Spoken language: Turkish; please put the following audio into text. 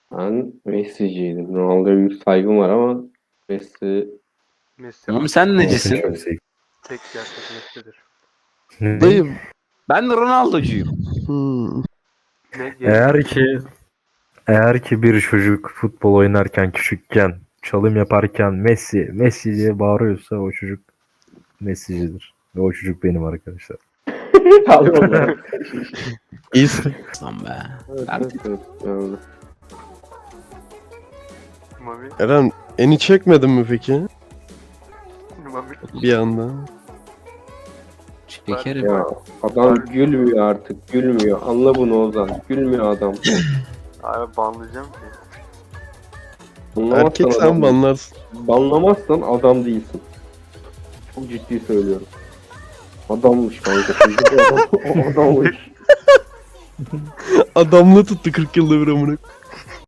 Ben Messi'ciydim. Ronaldo'ya büyük saygım var ama Messi Messi Oğlum sen artık necisin? Çok sevdim. tek gerçek Messi'dir. Dayı. Ben de Ronaldo'cuyum. Ne Eğer ki bir çocuk futbol oynarken küçükken çalım yaparken Messi Messi diye bağırıyorsa o çocuk Messi'cidir. Ve o çocuk benim arkadaşlar. Allah. İyisin. Lan be. Evet, evet, yani. Mami, Eren eni çekmedin mi peki? Mami. Bir anda. Şekerim. Ya adam gülmüyor artık. Gülmüyor. Anla bunu Ozan. Gülmüyor adam. Abi banlayacağım ki. Anlamazsan Erkek sen adam, banlarsın. banlamazsan adam değilsin. Çok ciddi söylüyorum. Adammış kanka. Çocuk adammış. Adamla tuttu 40 yılda bir amına.